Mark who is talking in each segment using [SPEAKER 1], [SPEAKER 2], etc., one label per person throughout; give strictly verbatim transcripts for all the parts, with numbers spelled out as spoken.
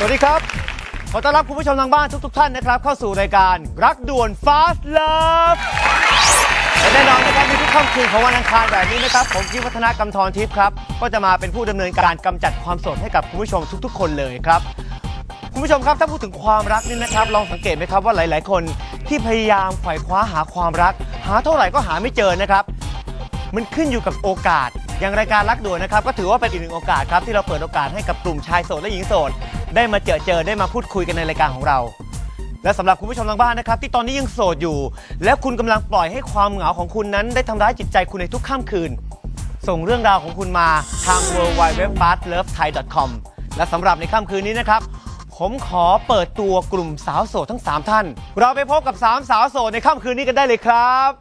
[SPEAKER 1] วัสดีครับขอต้อนรับคุณผู้ชมทางบ้านทุกๆท่านนะครับเข้าสู่รายการรักด่วน Fast Love และแน่นอนนะครับในทุกค่ำคืนของวันอังคารแบบนี้นะครับผมกิ๊ฟวัฒนกำธรทิพย์ครับก็จะมาเป็นผู้ดำเนินการกำจัดความโสดให้กับคุณผู้ชมทุกๆคนเลยครับคุณผู้ชมครับถ้าพูดถึงความรักนี่นะครับลองสังเกตไหมครับว่าหลายๆคนที่พยายามไขว่คว้าหาความรักหาเท่าไหร่ก็หาไม่เจอนะครับมันขึ้นอยู่กับโอกาสอย่างรายการรักด่วนนะครับก็ถือว่าเป็นอีกหนึ่งโอกาสครับที่เราเปิดโอกาสให้กับกลุ่มชายโสดและหญิงโสดได้มาเจอเจอได้มาพูดคุยกันในรายการของเราและสำหรับคุณผู้ชมทางบ้านนะครับที่ตอนนี้ยังโสดอยู่และคุณกำลังปล่อยให้ความเหงาของคุณนั้นได้ทำร้ายจิตใจคุณในทุกค่ำคืนส่งเรื่องราวของคุณมาทาง ดับเบิลยู ดับเบิลยู ดับเบิลยู ดอท ฟาสต์เลิฟไทย ดอท คอม และสำหรับในค่ำคืนนี้นะครับผมขอเปิดตัวกลุ่มสาวโสดทั้งสามท่านเราไปพบกับสามสาวโสดในค่ำคืนนี้กันได้เลยครับ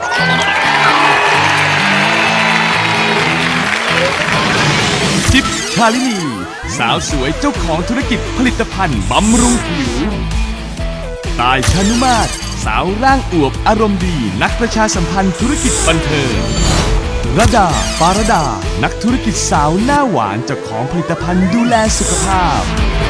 [SPEAKER 2] จิ๊บชาลินีสาวสวยเจ้าของธุรกิจผลิตภัณฑ์บำรุงผิวตายชานุมาตรสาวร่างอวบอารมณ์ดีนักประชาสัมพันธ์ธุรกิจบันเทิงระดาปารดานักธุรกิจสาวหน้าหวานเจ้าของผลิตภัณฑ์ดูแลสุขภาพ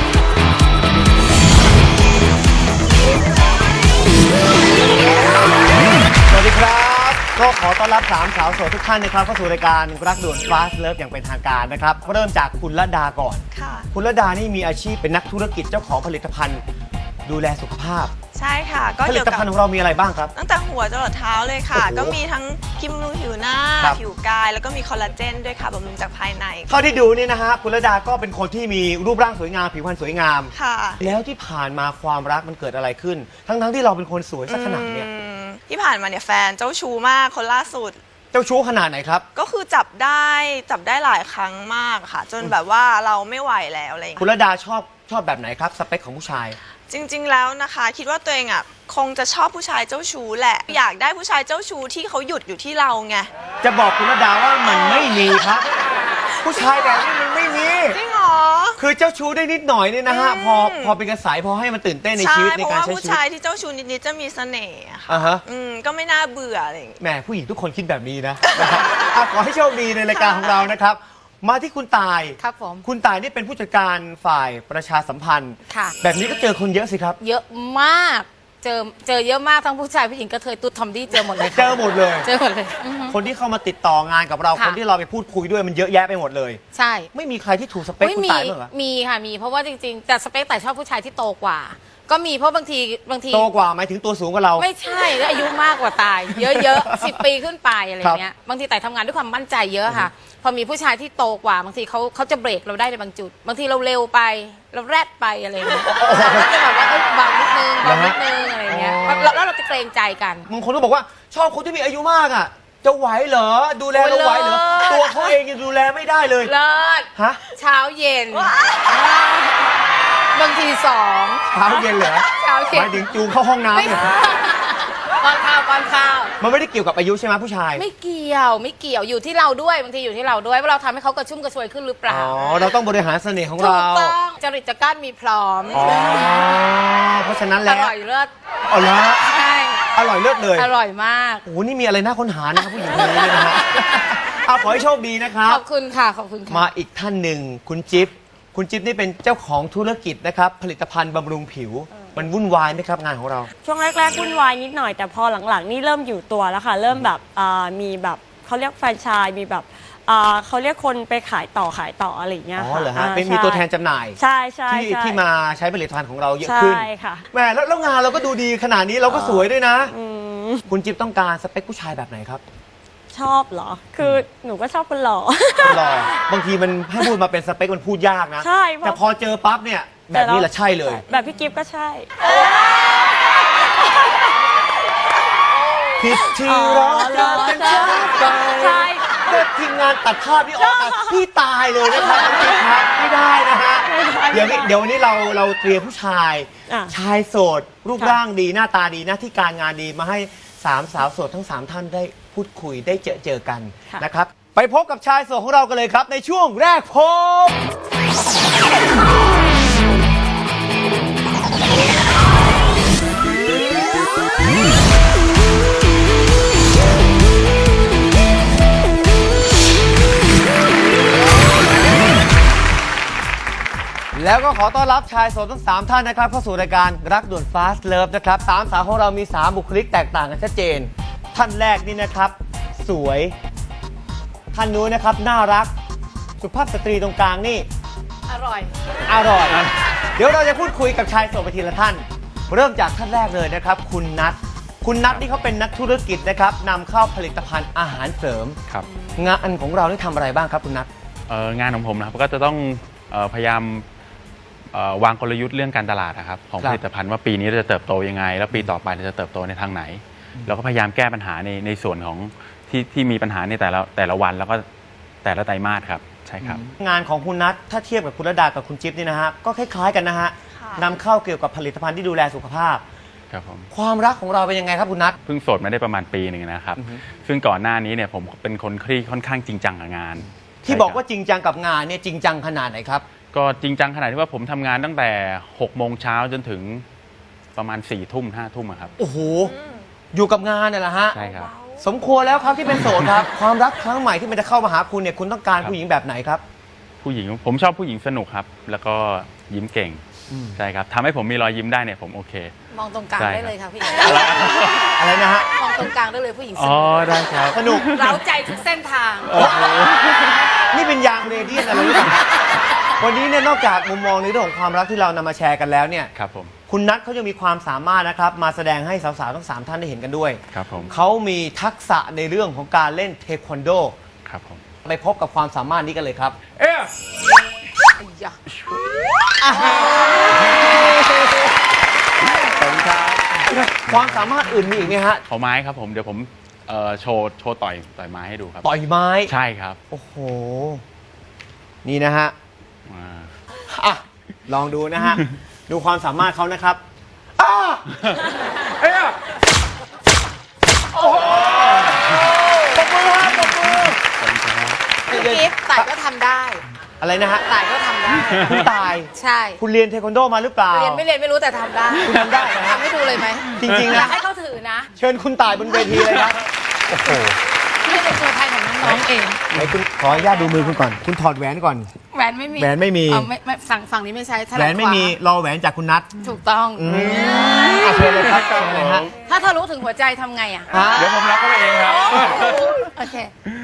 [SPEAKER 1] สวัสดีครับก็ขอต้อนรับสามสาวโสดทุกท่านนะครับเข้าสู่รายการรักด่วน Fast Love อย่างเป็นทางการนะครับเริ่มจากคุณระดาก่อนค่ะคุณระดานี่มีอาชีพเป็นนักธุรกิจเจ้าของผลิตภัณฑ์ดูแลสุขภาพ
[SPEAKER 3] ใช่ค่ะก็
[SPEAKER 1] ผลิตภัณฑ์ของเรามีอะไรบ้างครับ
[SPEAKER 3] ตั้งแต่หัวจรดเท้าเลยค่ะก็มีทั้งครีมบำรุงผิวหน้าผิวกายแล้วก็มีคอลลาเจนด้วยค่ะบำรุงจากภายใน
[SPEAKER 1] เท่าที่ดูนี่นะฮะคุณระดาก็เป็นคนที่มีรูปร่างสวยงามผิวพรรณสวยงาม
[SPEAKER 3] ค่ะ
[SPEAKER 1] แล้วที่ผ่านมาความรักมันเกิดอะไรขึ้นทั้งๆที่เราเป็นคนสวยสักขนาดเนี้ย
[SPEAKER 3] ที่ผ่านมาเนี่ยแฟนเจ้าชู้มากคนล่าสุด
[SPEAKER 1] เจ้าชู้ขนาดไหนครับ
[SPEAKER 3] ก็คือจับได้จับได้หลายครั้งมากค่ะจนแบบว่าเราไม่ไหวแล้วอะไรอย่างเงี้ย
[SPEAKER 1] คุณระดาชอบชอบแบบไหนครับสเปคของผู้ชาย
[SPEAKER 3] จริงๆแล้วนะคะคิดว่าตัวเองอ่ะคงจะชอบผู้ชายเจ้าชู้แหละอยากได้ผู้ชายเจ้าชู้ที่เขาหยุดอยู่ที่เราไง
[SPEAKER 1] จะบอกคุณระดาว่ามันไม่มีครับผู้ชายแบบนี้มันไม่มี
[SPEAKER 3] จริงเหรอ
[SPEAKER 1] คือเจ้าชู้ได้นิดหน่อยเนี่ยนะฮะพอพอเป็นกระแสพอให้มันตื่นเต้นในชีวิตในการใช้ชีวิต
[SPEAKER 3] เพราะว่าผู้ชายที่เจ้าชู้นิดๆจะมีเสน่ห์ค่ะ
[SPEAKER 1] อ่าฮะ
[SPEAKER 3] อืมก็ไม่น่าเบื่ออะไรอย่างเงี้ย
[SPEAKER 1] แหมผู้หญิงทุกคนคิดแบบนี้นะนะครับขอให้โชคดีในรายการของเรานะครับมาที่คุณตาย
[SPEAKER 4] ครับผม
[SPEAKER 1] คุณตายนี่เป็นผู้จัดการฝ่ายประชาสัมพันธ์
[SPEAKER 4] ค่ะ
[SPEAKER 1] แบบนี้ก็เจอคนเยอะสิครับ
[SPEAKER 4] เยอะมากเจอเจอเยอะมากทั้งผู้ชายผู้หญิงกระเทยตุ๊ดทอมดี้เจอหมดเลย
[SPEAKER 1] เจอหมดเลย
[SPEAKER 4] เจอหมดเลย
[SPEAKER 1] คนที่เข้ามาติดต่องานกับเราคนที่เราไปพูดคุยด้วยมันเยอะแยะไปหมดเลย
[SPEAKER 4] ใช่
[SPEAKER 1] ไม่มีใครที่ถูกสเปคคุณตายบ้างเหรอ
[SPEAKER 4] มีค่ะมีเพราะว่าจริงๆแต่สเปคแต่ชอบผู้ชายที่โตกว่าก็มีเพราะบางทีบางที
[SPEAKER 1] โตกว่าหมายถึงตัวสูงกว่าเรา
[SPEAKER 4] ไม่ใช่แล้วอายุมากกว่าตายเยอะๆสิบปีขึ้นไปอะไรเงี้ยบางทีแต่ทำงานด้วยความมั่นใจเยอะค่ะพอมีผู้ชายที่โตกว่าบางทีเขาเขาจะเบรกเราได้ในบางจุดบางทีเราเร็วไปเราแรดไปอะไรเงี้ยเขาจะแบบว่าเบานิดนึงเบานิดนึงอะไรเงี้ยแล้วเราจะเกรงใจกัน
[SPEAKER 1] บางคนก็บอกว่าชอบคนที่มีอายุมากอ่ะจะไหวเหรอดูแลเราไหวเหรอตัวเขาเองยังดูแลไม่ได้เลย
[SPEAKER 4] เลิศ
[SPEAKER 1] ฮะ
[SPEAKER 4] เช้าเย็นบางทีสอง
[SPEAKER 1] เช้าเย็นเหรอ
[SPEAKER 4] เช้าเย็น
[SPEAKER 1] หมายถึงจูงเข้าห้องน้ำเนี่ย
[SPEAKER 4] ป้อนข้าวป้อนข้าว
[SPEAKER 1] มันไม่ได้เกี่ยวกับอายุใช่ไหมผู้ชาย
[SPEAKER 4] ไม่เกี่ยวไม่เกี่ยวอยู่ที่เราด้วยบางทีอยู่ที่เราด้วยว่าเราทำให้เขากระชุ่มกระชวยขึ้นหรือเปล่า
[SPEAKER 1] อ๋อเราต้องบริหารเสน่ห์ของเรา
[SPEAKER 4] ถูกต้องจริตจักรมีพร้อม
[SPEAKER 1] อ๋อเพราะฉะนั้นแล้ว
[SPEAKER 4] อร่อยเลิศ
[SPEAKER 1] อ๋อเหรอ
[SPEAKER 4] ใช่
[SPEAKER 1] อร่อยเลิศเลย
[SPEAKER 4] อร่อยมาก
[SPEAKER 1] โอ้โหนี่มีอะไรน่าค้นหานะครับผู้หญิงคนนี้นะฮะเอาขอให้โชคดีนะครับ
[SPEAKER 4] ขอบคุณค่ะขอบคุณค่ะ
[SPEAKER 1] มาอีกท่านหนึ่งคุณจิ๊บคุณจิ๊บนี่เป็นเจ้าของธุรกิจนะครับผลิตภัณฑ์บำรุงผิวมันวุ่นวายไหมครับงานของเรา
[SPEAKER 5] ช่วงแรกๆวุ่นวายนิดหน่อยแต่พอหลังๆนี่เริ่มอยู่ตัวแล้วค่ะเริ่มแบบมีแบบเขาเรียกแฟรนไชส์มีแบบเขาเรียกคนไปขายต่อขายต่ออะไรอย่างเงี้ย
[SPEAKER 1] ค่ะอ๋อเหรอฮะเป็นมีตัวแทนจำหน่าย
[SPEAKER 5] ใช่ใช่
[SPEAKER 1] ที่ที่มาใช้ผลิตภัณฑ์ของเราเยอะขึ้น
[SPEAKER 5] ใช่ค่ะ
[SPEAKER 1] แหมแล้วงานเราก็ดูดีขนาดนี้เราก็สวยด้วยนะคุณจิ๊บต้องการสเปคผู้ชายแบบไหนครับ
[SPEAKER 5] ชอบเหรอคือหนูก็ชอบคนหล่อ
[SPEAKER 1] หล่อบางทีมันให้พูดมาเป็นสเปคมันพูดยากนะ
[SPEAKER 5] ใช่
[SPEAKER 1] แต่พอเจอปั๊บเนี่ยแบบนี้แหละใช่เลย
[SPEAKER 5] แบบพี่กิฟต์ก็ใช่
[SPEAKER 1] ผิดที่รักกันกันใช่เมื่อทีมงานตัดภาพนี่ออกมาพี่ตายเลยนะครับพี่ครับไม่ได้นะฮะเดี๋ยวเดี๋ยววันนี้เราเราเตรียมผู้ชายชายโสดรูปร่างดีหน้าตาดีหน้าที่การงานดีมาให้สามสาวโสดทั้งสามท่านได้พูดคุยได้เจอเจอกันนะครับไปพบกับชายโสดของเรากันเลยครับในช่วงแรกพบแล้วก็ขอต้อนรับชายโสดทั้งสามท่านนะครับเข้าสู่รายการรักด่วน Fast Love นะครับสามสาวของเรามีสามบุคลิกแตกต่างกันชัดเจนท่านแรกนี่นะครับสวยท่านนู้นนะครับน่ารักสุภาพสตรีตรงกลางนี่
[SPEAKER 4] อร่อย
[SPEAKER 1] อร่อย เดี๋ยวเราจะพูดคุยกับชายโสดไปทีละท่าน เริ่มจากท่านแรกเลยนะครับคุณนัทคุณนัทนี่เขาเป็นนักธุรกิจนะครับนำเข้าผลิตภัณฑ์อาหารเสริม
[SPEAKER 6] ครับ
[SPEAKER 1] งานของเรานี่ทำอะไรบ้างครับคุณนัท
[SPEAKER 6] เอ่องานของผมนะครับก็จะต้องเอ่อพยายามเอ่อวางกลยุทธ์เรื่องการตลาดนะครับของผลิตภัณฑ์ว่าปีนี้เราจะเติบโตยังไง แล้วปีต่อไปเราจะเติบโตในทางไหนเราก็พยายามแก้ปัญหาในในส่วนของที่ที่มีปัญหาในแต่ละแต่ละวันแล้วก็แต่ละไตรมาสครับใช่ครับ
[SPEAKER 1] งานของคุณนัทถ้าเทียบกับคุณระดากับคุณจิ๊บนี่นะฮะก็คล้ายๆกันนะฮะ
[SPEAKER 3] ค่ะ
[SPEAKER 1] นำเข้าเกี่ยวกับผลิตภัณฑ์ที่ดูแลสุขภาพ
[SPEAKER 6] ครับผม
[SPEAKER 1] ความรักของเราเป็นยังไงครับคุณนัท
[SPEAKER 6] เพิ่งโสดมาได้ประมาณปีหนึ่งนะครับซึ่งก่อนหน้านี้เนี่ยผมเป็นคนที่ค่อนข้างจริงจังกับงาน
[SPEAKER 1] ที่
[SPEAKER 6] ใช่
[SPEAKER 1] บอก
[SPEAKER 6] ครั
[SPEAKER 1] ว่าจริงจังกับงานเนี่ยจริงจังขนาดไหนครับ
[SPEAKER 6] ก็จริงจังขนาดที่ว่าผมทำงานตั้งแต่หกโมงเช้าจนถึงประมาณสี่ทุ่มห้าทุ่มอะครับ
[SPEAKER 1] โอ้โหอยู่กับงานเนี่ยแหละฮะ
[SPEAKER 6] ใช่ครับ
[SPEAKER 1] สมควรแล้วครับที่เป็นโสดครับ ความรักครั้งใหม่ที่มันจะเข้ามาหาคุณเนี่ยคุณต้องการผู้หญิงแบบไหนครับ
[SPEAKER 6] ผู้หญิงผมชอบผู้หญิงสนุกครับ แล้วก็ยิ้มเก่งใช่ครับทำให้ผมมีรอยยิ้มได้เนี่ยผมโอเค
[SPEAKER 4] มองตรงกลาง
[SPEAKER 6] ใช่
[SPEAKER 4] ได้เลยค่ะพี่
[SPEAKER 1] อะไรนะฮะ
[SPEAKER 4] มองตรงกลางได้เลยผู้หญิงส
[SPEAKER 6] อ๋อ
[SPEAKER 4] นุก
[SPEAKER 6] ได้ครับ
[SPEAKER 1] สนุก
[SPEAKER 4] เร้าใจทุกเส้นทาง
[SPEAKER 1] นี่เป็นยางเรเดียนอะไรหรือเปล่าวันนี้เนี่ยนอกจากมุมมองในเรื่องของความรักที่เรานำมาแชร์กันแล้วเนี่ย
[SPEAKER 6] ครับผม
[SPEAKER 1] คุณนัทเขายังมีความสามารถนะครับมาแสดงให้สาวๆทั้งสามท่านได้เห็นกันด้วย
[SPEAKER 6] ครับผม
[SPEAKER 1] เขามีทักษะในเรื่องของการเล่นเทควันโด
[SPEAKER 6] ครับผม
[SPEAKER 1] ไปพบกับความสามารถนี้กันเลยครับ
[SPEAKER 4] อย่า
[SPEAKER 1] ความสามารถอื่นมีอีกไหมฮะ
[SPEAKER 6] ขอไม้ครับผมเดี๋ยวผมเอ่อโชว์โชว์ต่อยต่อยไม้ให้ดูครับ
[SPEAKER 1] ต่อยไม้
[SPEAKER 6] ใช่ครับ
[SPEAKER 1] โอ้โห นี่นะฮะ
[SPEAKER 6] อ่า
[SPEAKER 1] อ่ะ ลองดูนะฮะ ดูความสามารถเขานะครับอ้าเอ้ยโอ้โหปรบมือฮะปรบมือ
[SPEAKER 4] พี่กิฟต์ต่ายก็ทำได้
[SPEAKER 1] อะไรนะฮะ
[SPEAKER 4] ต่ายก็ทำได้
[SPEAKER 1] คุณตาย
[SPEAKER 4] ใช่
[SPEAKER 1] คุณเรียนเทควันโดมาหรือเปล่า
[SPEAKER 4] เรียนไม่เรียนไม่รู้แต่ทำได้
[SPEAKER 1] คุณทำได้นะฮะ
[SPEAKER 4] ทำให้ดูเลยไหม
[SPEAKER 1] จริงๆ
[SPEAKER 4] อยา
[SPEAKER 1] นะ
[SPEAKER 4] กให้เขาถือนะ
[SPEAKER 1] เชิญคุณตายบนเวทีเลยครับ โอ้โห
[SPEAKER 4] พี่เป็นตัวแทนของน้องๆเอง
[SPEAKER 1] ไหนคุณขออนุญาตดูมือคุณก่อน คุณถอดแหวนก่อน
[SPEAKER 4] แหวนไม่มี
[SPEAKER 1] แหวนไม่มี
[SPEAKER 4] เอาไม่ไม่ฝั่งฝั่งนี้ไม่ใช่ถ
[SPEAKER 1] แหว
[SPEAKER 4] นัด
[SPEAKER 1] นไม่มี
[SPEAKER 4] ขว
[SPEAKER 1] รอแหวนจากคุณนัท
[SPEAKER 4] าถูกต้อง
[SPEAKER 1] อืมอ่ะเชิญเลยครับเชิญเลยฮะ
[SPEAKER 4] ถ้าทะลุถึงหัวใจทำไงอ่ะ
[SPEAKER 1] ฮะ
[SPEAKER 6] เดี๋ยวผมรับเข้าไปเองครับ
[SPEAKER 4] โอเค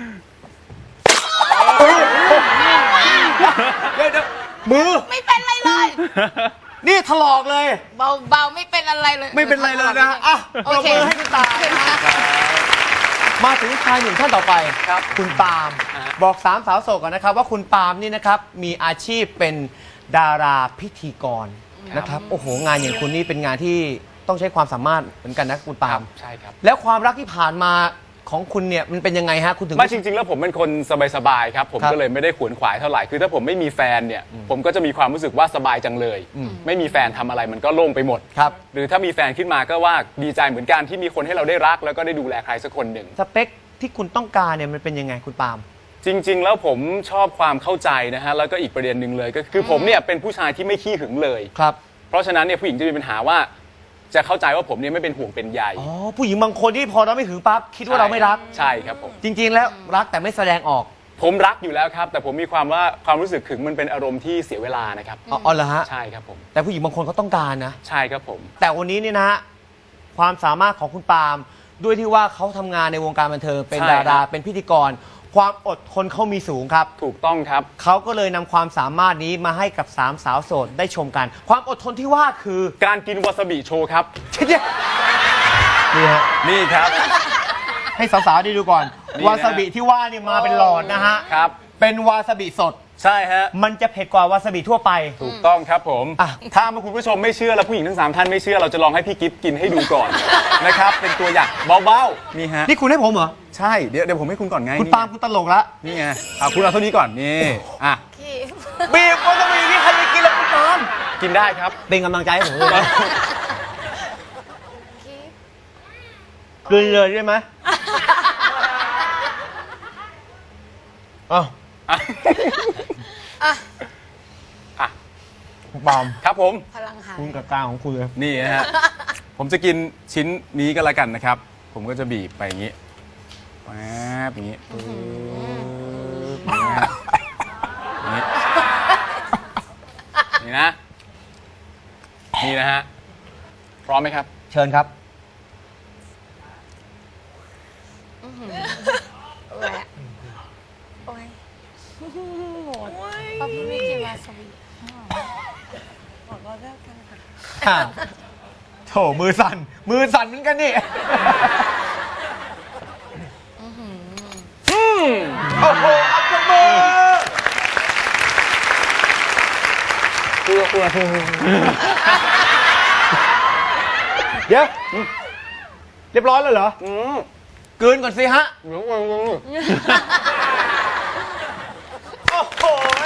[SPEAKER 1] เดี๋ยวเดี๋ยวมือ
[SPEAKER 4] ไม่เป็นไรเลย
[SPEAKER 1] นี่ถลอกเลย
[SPEAKER 4] เบาเบาไม่เป็นอะไรเลย
[SPEAKER 1] ไม่เป็นไรเลยนะฮะอ่ะป
[SPEAKER 4] โอ
[SPEAKER 1] รบ
[SPEAKER 4] เค
[SPEAKER 1] มือให้คุณตามาถึงชายหนุ่มท่านต่อไปครับ คุณปาล์มบอกสามสาวโสดก่อนนะครับ ว่าคุณปาล์มนี่นะครับมีอาชีพเป็นดาราพิธีกรนะครับโอ้โหงานอย่างคุณนี่เป็นงานที่ต้องใช้ความสามารถเหมือนกันนะคุณปาล์ม
[SPEAKER 7] ใช่ครับ
[SPEAKER 1] แล้วความรักที่ผ่านมาของคุณเนี่ยมันเป็นยังไงฮะคุณถึง
[SPEAKER 7] ไม่จริง ๆ แล้วผมเป็นคนสบายๆครับผม
[SPEAKER 1] ครับ
[SPEAKER 7] ก็เลยไม่ได้ขวนขวายเท่าไหร่คือถ้าผมไม่มีแฟนเนี่ยผมก็จะมีความรู้สึกว่าสบายจังเลย
[SPEAKER 1] อืม
[SPEAKER 7] ไม่มีแฟนทำอะไรมันก็โล่งไปหมด
[SPEAKER 1] ครับ
[SPEAKER 7] หรือถ้ามีแฟนขึ้นมาก็ว่าดีใจเหมือนกันที่มีคนให้เราได้รัก แล้วก็ได้ดูแลใครสักคนหนึ่ง
[SPEAKER 1] สเปคที่คุณต้องการเนี่ยมันเป็นยังไงคุณปาล์ม
[SPEAKER 7] จริง ๆ แล้วผมชอบความเข้าใจนะฮะแล้วก็อีกประเด็นหนึ่งเลยก็คือผมเนี่ยเป็นผู้ชายที่ไม่ขี้หึงเลย
[SPEAKER 1] ครับ
[SPEAKER 7] เพราะฉะนั้นเนี่ยผู้หญิงจะมีปัญหาว่าจะเข้าใจว่าผมเนี่ยไม่เป็นห่วงเป็นใย
[SPEAKER 1] อ๋อผู้หญิงบางคนที่พอเราไม่ถึงปั๊บคิดว่าเราไม่รัก
[SPEAKER 7] ใช่ครับผม
[SPEAKER 1] จริง ๆ แล้วรักแต่ไม่แสดงออก
[SPEAKER 7] ผมรักอยู่แล้วครับ แต่ผมมีความว่าความรู้สึกขึงมันเป็นอารมณ์ที่เสียเวลานะครับ
[SPEAKER 1] อ๋ออ๋อเหรอฮะ
[SPEAKER 7] ใช่ครับผม
[SPEAKER 1] แต่ผู้หญิงบางคนเขาต้องการนะ
[SPEAKER 7] ใช่ครับผม
[SPEAKER 1] แต่วันนี้เนี่ยนะฮะความสามารถของคุณปาล์มด้วยที่ว่าเขาทำงานในวงการบันเทิงเป็น
[SPEAKER 7] ใช่
[SPEAKER 1] ดารา
[SPEAKER 7] ครับ
[SPEAKER 1] เป็นพิธีกร ความอดทนเขามีสูงครับ
[SPEAKER 7] ถูกต้องครับ
[SPEAKER 1] เขาก็เลยนำความสามารถนี้มาให้กับสามสาวโสดได้ชมกัน ความอดทนที่ว่าคือ
[SPEAKER 7] การกินวาซาบิโชว์ครับ
[SPEAKER 1] นี่ฮะ
[SPEAKER 7] นี่ครับ
[SPEAKER 1] ให้สาวๆได้ดูก่อน
[SPEAKER 7] นี่นะ
[SPEAKER 1] วาซาบิที่ว่านี่มาเป็นหลอดนะฮะ
[SPEAKER 7] ครับ
[SPEAKER 1] เป็นวาซาบิสด
[SPEAKER 7] ใช่ฮะ
[SPEAKER 1] มันจะเผ็ดกว่าวาซาบิทั่วไป
[SPEAKER 7] ถูกต้องครับผม
[SPEAKER 1] อ่ะ
[SPEAKER 7] ถ้าคุณผู้ชมไม่เชื่อแล้วผู้หญิงทั้งสามท่านไม่เชื่อเราจะลองให้พี่กิฟกินให้ดูก่อน นะครับ เป็นตัวอย่างเบาๆ นี่ฮะ
[SPEAKER 1] นี่คุณให้ผมเหรอ
[SPEAKER 7] ใช่ เดี๋ยวเดี๋ยวผมให้คุณก่อนไง
[SPEAKER 1] คุณปาล์มคุณตลกละ
[SPEAKER 7] นี่ไงอ่ะคุณเอาเท่านี้ก่อน นี่ อ่ะ
[SPEAKER 1] บีบวาซาบินี่ใครจะกินล่ะคุณปาล์ม
[SPEAKER 7] กินได้ครับ
[SPEAKER 1] เป็นกำลังใจให้ผมด้วยนะกลืนเลยใช่ไหมอ้าว
[SPEAKER 4] อ่ะ
[SPEAKER 7] อ่ะ
[SPEAKER 1] คุณปาล์ม
[SPEAKER 7] ครับผม
[SPEAKER 4] พลังหาย
[SPEAKER 1] คุณกับกลางของคุณเลย
[SPEAKER 7] นี่นะฮะ ผมจะกินชิ้นนี้ก็แล้วกันนะครับ ผมก็จะบีบไปอย่างนี้แป๊บอย่างนี้ปึ๊บอย่างนี้อย่างนี้นี่นะ นี่นะฮะ พร้อมไหมครับ
[SPEAKER 1] เชิญครับ
[SPEAKER 4] แหวะโอ้ยหมดเพราะพี่ไม่กินวาซาบิ
[SPEAKER 1] ค่ะโถมือสั่น มือสั่นเหมือนกันนี่โอ้โหอัปมือเดี๋ยวเรียบร้อยแล้วเหรอเกินก่อนสิฮะโอ้โห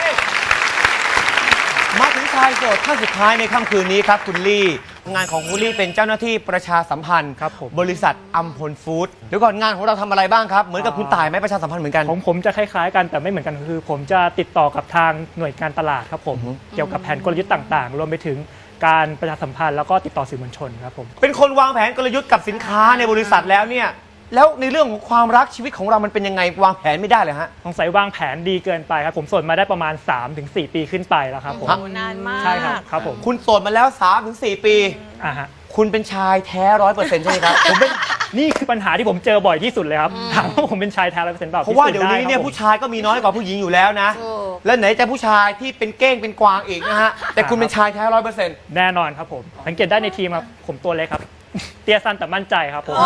[SPEAKER 1] มาถึงชายโสดท่านสุดท้ายในค่ำคืนนี้ครับคุณลี่ งานของคุณลี่เป็นเจ้าหน้าที่ประชาสัมพันธ์
[SPEAKER 8] ครับผม
[SPEAKER 1] บริษัทอัมพลฟู้ดเดี๋ยวก่อนงานของเราทำอะไรบ้างครับ เหมือนกับคุณต่ายไหมประชาสัมพันธ์เหมือนกัน
[SPEAKER 8] ของผมจะคล้ายๆกันแต่ไม่เหมือนกันคือ ผมจะติดต่อกับทางหน่วยการตลาดครับผมเกี่ยวกับแผนกลยุทธ์ต่างๆ รวมไปถึงการประชาสัมพันธ์แล้วก็ติดต่อสื่อมวลชนครับผม
[SPEAKER 1] เป็นคนวางแผนกลยุทธ์กับสินค้าในบริษัทแล้วเนี่ยแล้วในเรื่องของความรักชีวิตของเรามันเป็นยังไงวางแผนไม่ได้เลยฮะ
[SPEAKER 8] สงสัยวางแผนดีเกินไปครับผมโสดมาได้ประมาณ สามถึงสี่ ปีขึ้นไปแล้วครับผม
[SPEAKER 3] โอ้นานมาก
[SPEAKER 8] ใช่ครับครับผม
[SPEAKER 1] คุณโสดมาแล้ว สามถึงสี่ ปี
[SPEAKER 8] อ่าฮะ
[SPEAKER 1] คุณเป็นชายแท้ร้อยเปอร์เซ็นต์ใช่ไหมครับ
[SPEAKER 8] ผมเป็นนี่คือปัญหาที่ผมเจอบ่อยที่สุดเลยครับถามว่าผมเป็นชายแท้ร้อยเปอร์เซ็นต์เปล่า
[SPEAKER 1] เพราะว่าเดี๋ยวนี้เนี่ย
[SPEAKER 8] พิสูจ
[SPEAKER 1] ผู้ชายก็มีน้อยกว่าผู้หญิงอยู่แล้วนะ
[SPEAKER 4] ถูก
[SPEAKER 1] แล้วไหนจะผู้ชายที่เป็นเก้งเป็นกวางอีกนะฮะ แต่คุณเป็นชายแท้ร้อยเปอร์เซ็นต์
[SPEAKER 8] แน่นอนครับผมสังเกตได้ในทีมครับผมตัวเล็กครับ เตี้ยสั้นแต่มั่นใจครับผม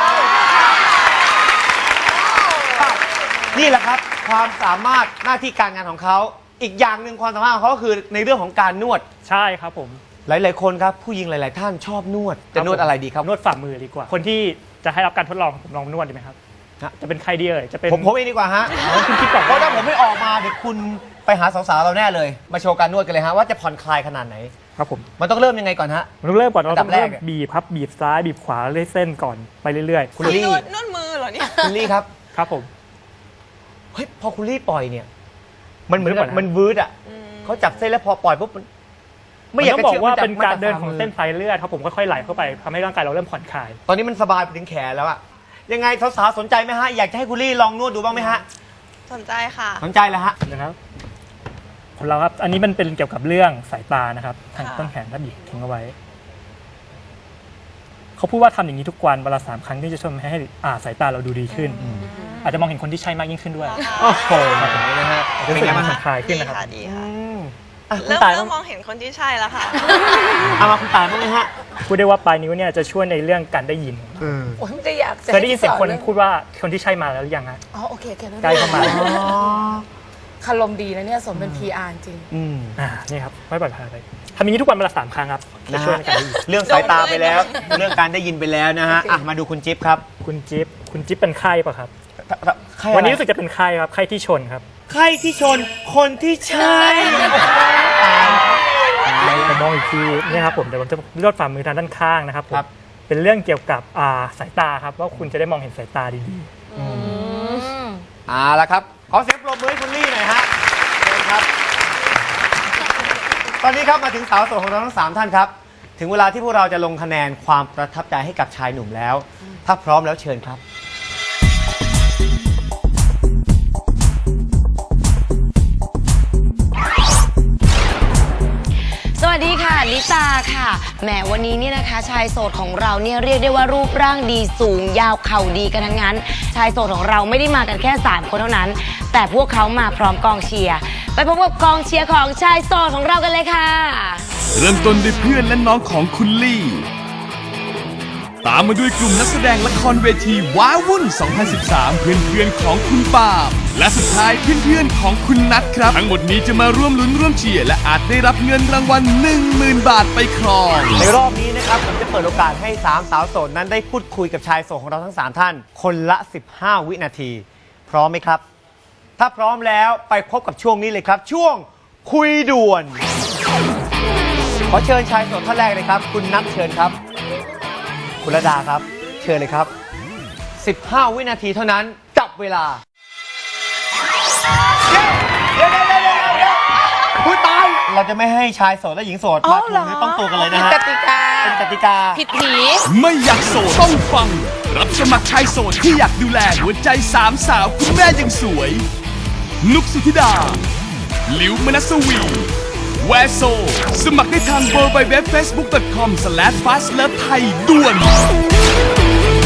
[SPEAKER 1] นี่แหละครับ ความสามารถหน้าที่การงานของเขาอีกอย่างหนึ่งความสามารถของเขาก็คือในเรื่องของการนวด
[SPEAKER 8] ใช่ครับผม
[SPEAKER 1] หลาย ๆ คนครับผู้หญิงหลาย ๆ ท่านชอบนวดจะนวดอะไรดีครับ
[SPEAKER 8] นวดฝ่ามือดีกว่า คนที่จะให้รับการทดลองผมลองนวดดีไหมครับ
[SPEAKER 1] ฮะ
[SPEAKER 8] จะเป็นใครดีเอ่ยจะเป็น
[SPEAKER 1] ผมผมเองดีกว่าฮะ
[SPEAKER 8] อ๋อคุณคิดก่อน
[SPEAKER 1] เพราะถ้าผมไม่ออกมาเดี๋ยวคุณไปหาสาว ๆ เราแน่เลย มาโชว์การนวดกันเลยฮะว่าจะผ่อนคลายขนาดไหน
[SPEAKER 8] ครับผม
[SPEAKER 1] มันต้องเริ่มยังไงก่อนฮะ
[SPEAKER 8] เราเริ่มก่อนเรา
[SPEAKER 1] อันดั
[SPEAKER 8] ต้
[SPEAKER 1] บ
[SPEAKER 8] อง
[SPEAKER 1] แร
[SPEAKER 8] เริ่
[SPEAKER 1] ก
[SPEAKER 8] ม
[SPEAKER 1] อะ
[SPEAKER 8] บีบครับบีบซ้ายบีบขวาเรื่อยเส้นก่อนไปเรื่อย
[SPEAKER 1] คุณลี่
[SPEAKER 3] นวดนวดมือเหรอเนี่ย
[SPEAKER 1] คุณลี่ครับ
[SPEAKER 8] ๆ ครับผม
[SPEAKER 1] เฮ้ยพอคุณลี่ปล่อยเนี่ยมันเหมือนกับ
[SPEAKER 8] เดี๋ยวก่อนนะ
[SPEAKER 1] มันวืดอ่ะเขาจับเส้นแล้วพอปล่อยปุ๊บมันไม่
[SPEAKER 8] ไม่
[SPEAKER 1] อยาก
[SPEAKER 8] ต้อง
[SPEAKER 1] จะ
[SPEAKER 8] บอกว่า
[SPEAKER 1] ชื่
[SPEAKER 8] เป็นการเดินของ
[SPEAKER 1] มัจะ
[SPEAKER 8] เส้นสายเลือดครับผมค่อยๆไหลเข้าไปทำให้ร่างกายเราเริ่มผ่อนคลาย
[SPEAKER 1] ตอนนี้มันสบายไปถึงแขนแล้วอะยังไงสาวๆสนใจไหมฮะอยากจะให้คุณลี่ลองนวดดูบ้างไหมฮะ
[SPEAKER 3] สนใจค่ะ
[SPEAKER 1] สนใจแล้วฮะ
[SPEAKER 8] นะครับของเราครับอันนี้มันเป็นเกี่ยวกับเรื่องสายตานะครับทาง
[SPEAKER 3] ค่ะ
[SPEAKER 8] ต้นแขนครับบีบทิ้งเอาไว้เขาพูดว่าทำอย่างนี้ทุกวันเวลาสามครั้งที่จะช่วยให้อ่าสายตาเราดูดีขึ้น อาจจะมองเห็นคนที่ใช่มากยิ่งขึ้นด้วย
[SPEAKER 1] โอ้โหนะฮะ
[SPEAKER 8] จะรู้สึกมันผ่อนคลายขึ้น
[SPEAKER 3] ดี
[SPEAKER 8] นะครับ
[SPEAKER 3] ค่ะดีค่ะ
[SPEAKER 1] อ่ะคุณ
[SPEAKER 3] เริ่ม
[SPEAKER 1] ตาย
[SPEAKER 3] เริ่
[SPEAKER 1] บ้าง
[SPEAKER 3] มมองเห็นคนที่ใช่แล้วค่ะ
[SPEAKER 1] เอามาคุณตายบ้างไหมฮะ
[SPEAKER 8] พูดได้ว่าปลายนิ้วเนี่ยจะช่วยในเรื่องการได้ยิน
[SPEAKER 4] โอ้ยไม่ได้อยากจะ
[SPEAKER 8] เคยได้ยินเสียงคน
[SPEAKER 4] ให้
[SPEAKER 8] พูดว่าคนที่ใช่มาแล้วหรือยังฮะ
[SPEAKER 4] อ๋อโอเคโอเครู้
[SPEAKER 8] ใกล้เข้ามา
[SPEAKER 4] คารมดีนะเนี่ยสมเป็น พี อาร์ จริง
[SPEAKER 1] อืม
[SPEAKER 8] อ่านี่ครับไม่ปล่อยผ่านไปทำอย่างนี้ทุกวันวันละสามครั้งครับจะ
[SPEAKER 1] นะ
[SPEAKER 8] ช่วย
[SPEAKER 1] ฮะ
[SPEAKER 8] ในการได้ยิน
[SPEAKER 1] เรื่องสายตาไปแล้ว เรื่องการได้ยินไปแล้วนะฮะอ่ะมาดูคุณจิ๊บครับ
[SPEAKER 8] คุณจิ๊บคุณจิ๊บเป็นไข้ป่ะครับ
[SPEAKER 1] ใครอะไร
[SPEAKER 8] วันนี้รู้สึกจะเป็นไข้ครับไข้ที่ชนครับ
[SPEAKER 1] ใครที่ชนคนที่ใช่
[SPEAKER 8] ผมมองอีกทีเนี่ยครับผมเดี๋ยวผมจะลดฝ่ามือทางด้านข้างนะครับผม
[SPEAKER 1] ครับ
[SPEAKER 8] เป็นเรื่องเกี่ยวกับอ่าสายตาครับว่าคุณจะได้มองเห็นสายตาดี
[SPEAKER 4] ๆอืม
[SPEAKER 1] เอาละครับ ขอเสียงปรบมือให้คุณลี่หน่อยฮะเชิญครับ ตอนนี้ครับมาถึงสาวโสดของเราทั้งสามท่านครับ ถึงเวลาที่พวกเราจะลงคะแนนความประทับใจให้กับชายหนุ่มแล้ว ถ้าพร้อมแล้วเชิญครับ
[SPEAKER 9] สวัสดีค่ะลิตาค่ะแหมวันนี้เนี่ยนะคะชายโสดของเราเนี่ยเรียกได้ว่ารูปร่างดีสูงยาวเข่าดีกันทั้งนั้น ชายโสดของเราไม่ได้มากันแค่สามคนเท่านั้น แต่พวกเขามาพร้อมกองเชียร์ไปพบกับกองเชียร์ของชายโสดของเรากันเลยค่ะ
[SPEAKER 2] เริ่มต้นด้วยเพื่อนและน้องของคุณลี่ ตามมาด้วยกลุ่มนักแสดงละครเวทีว้าวุ่น สองพันสิบสาม เพื่อนๆของคุณปาล์มและสุดท้ายเพื่อนๆของคุณนัทครับ ทั้งหมดนี้จะมาร่วมลุ้นร่วมเชียร์และอาจได้รับเงินรางวัล หนึ่งหมื่น บาทไปครอง
[SPEAKER 1] ในรอบนี้นะครับผมจะเปิดโอกาสให้สามสาวโสดนั้นได้พูดคุยกับชายโสดของเราทั้งสามท่าน คนละสิบห้าวินาที พร้อมไหมครับ ถ้าพร้อมแล้วไปพบกับช่วงนี้เลยครับ ช่วงคุยด่วน ขอเชิญชายโสดท่านแรกเลยครับ คุณนัทเชิญครับ คุณระดาครับ เชิญเลยครับสิบห้าวินาทีเท่านั้นจับเวลาเดี๋ยวเดี๋ยวเดี๋ยวเดี๋ยวเดี๋ยวคุณตายเราจะไม่ให้ชายโสดและหญิงโสดมาถูกเนื้อต้องตัวกันเลยนะฮะ
[SPEAKER 4] กติกา
[SPEAKER 1] เป็นกติกา
[SPEAKER 4] ผิดผี
[SPEAKER 2] ไม่อยากโสดต้องฟัง รับสมัครชายโสดที่อยากดูแลหัวใจสามสาวคุณแม่ยังสวย นุกสุธิดา หลิวมนัสวีแวโซสมัครได้ทาง ดับเบิลยู ดับเบิลยู ดับเบิลยู ดอท เฟซบุ๊ก ดอท คอม สแลช ฟาสต์เลิฟ ไทย ด่วน